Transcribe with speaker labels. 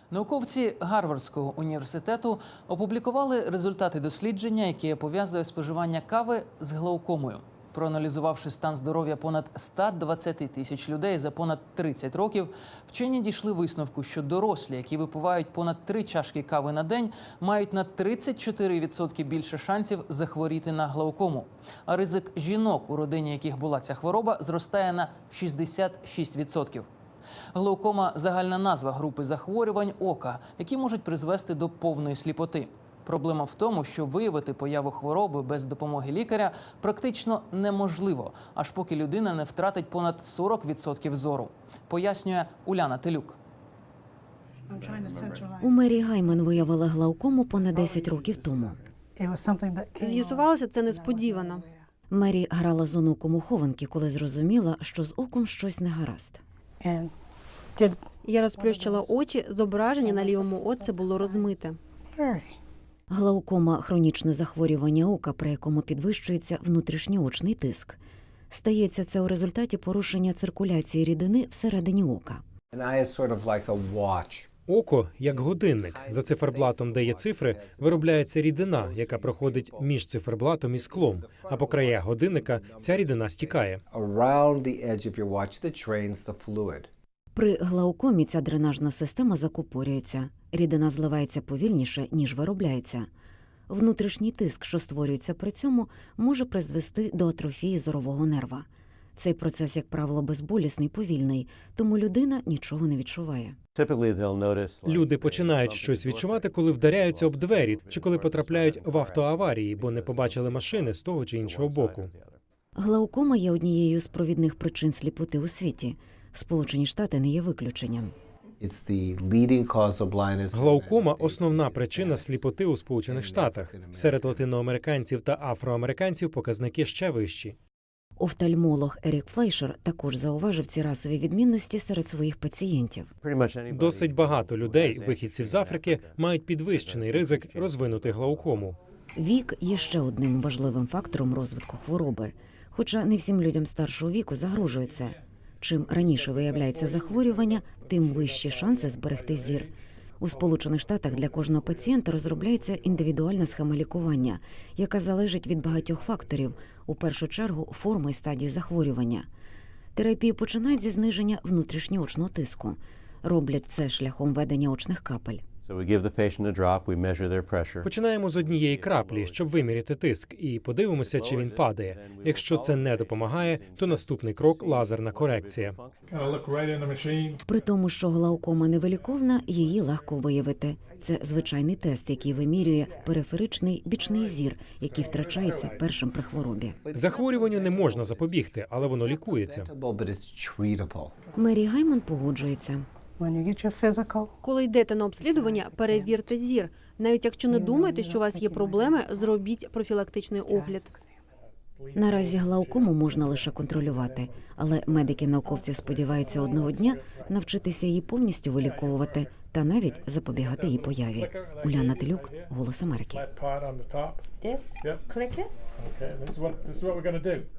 Speaker 1: Науковці Гарвардського університету опублікували результати дослідження, яке пов'язує споживання кави з глаукомою. Проаналізувавши стан здоров'я понад 120 тисяч людей за понад 30 років, вчені дійшли висновку, що дорослі, які випивають понад 3 чашки кави на день, мають на 34% більше шансів захворіти на глаукому. А ризик жінок, у родині яких була ця хвороба, зростає на 66%. Глаукома – загальна назва групи захворювань ока, які можуть призвести до повної сліпоти. Проблема в тому, що виявити появу хвороби без допомоги лікаря практично неможливо, аж поки людина не втратить понад 40% зору. Пояснює Уляна Телюк.
Speaker 2: У Мері Гайман виявили глаукому понад 10 років тому.
Speaker 3: З'ясувалося це несподівано.
Speaker 2: Мері грала з онуком у хованки, коли зрозуміла, що з оком щось не гаразд.
Speaker 3: Я розплющила очі, зображення на лівому оці було розмите.
Speaker 2: Глаукома – хронічне захворювання ока, при якому підвищується внутрішньоочний тиск. Стається це у результаті порушення циркуляції рідини всередині ока.
Speaker 4: Око – як годинник. За циферблатом, де є цифри, виробляється рідина, яка проходить між циферблатом і склом. А по краях годинника ця рідина стікає.
Speaker 2: При глаукомі ця дренажна система закупорюється. Рідина зливається повільніше, ніж виробляється. Внутрішній тиск, що створюється при цьому, може призвести до атрофії зорового нерва. Цей процес, як правило, безболісний, повільний, тому людина нічого не відчуває.
Speaker 4: Люди починають щось відчувати, коли вдаряються об двері чи коли потрапляють в автоаварії, бо не побачили машини з того чи іншого боку.
Speaker 2: Глаукома є однією з провідних причин сліпоти у світі. Сполучені Штати не є виключенням.
Speaker 4: Глаукома – основна причина сліпоти у Сполучених Штатах. Серед латиноамериканців та афроамериканців показники ще вищі.
Speaker 2: Офтальмолог Ерік Флейшер також зауважив ці расові відмінності серед своїх пацієнтів.
Speaker 4: Досить багато людей, вихідців з Африки, мають підвищений ризик розвинути глаукому.
Speaker 2: Вік є ще одним важливим фактором розвитку хвороби. Хоча не всім людям старшого віку загрожує це. Чим раніше виявляється захворювання, тим вищі шанси зберегти зір. У Сполучених Штатах для кожного пацієнта розробляється індивідуальна схема лікування, яка залежить від багатьох факторів, у першу чергу форми і стадії захворювання. Терапію починають зі зниження внутрішньоочного тиску. Роблять це шляхом введення очних капель.
Speaker 4: Починаємо з однієї краплі, щоб виміряти тиск, і подивимося, чи він падає. Якщо це не допомагає, то наступний крок – лазерна корекція.
Speaker 2: При тому, що глаукома невиліковна, її легко виявити. Це звичайний тест, який вимірює периферичний бічний зір, який втрачається першим при хворобі.
Speaker 4: Захворюванню не можна запобігти, але воно лікується.
Speaker 2: Мері Гайман погоджується.
Speaker 3: Коли йдете на обслідування, перевірте зір. Навіть якщо не думаєте, що у вас є проблеми, зробіть профілактичний огляд.
Speaker 2: Наразі глаукому можна лише контролювати, але медики-науковці сподіваються одного дня навчитися її повністю виліковувати та навіть запобігати її появі. Уляна Телюк, «Голос Америки».
Speaker 5: This? Click it?
Speaker 6: Okay, this is what we're going to do.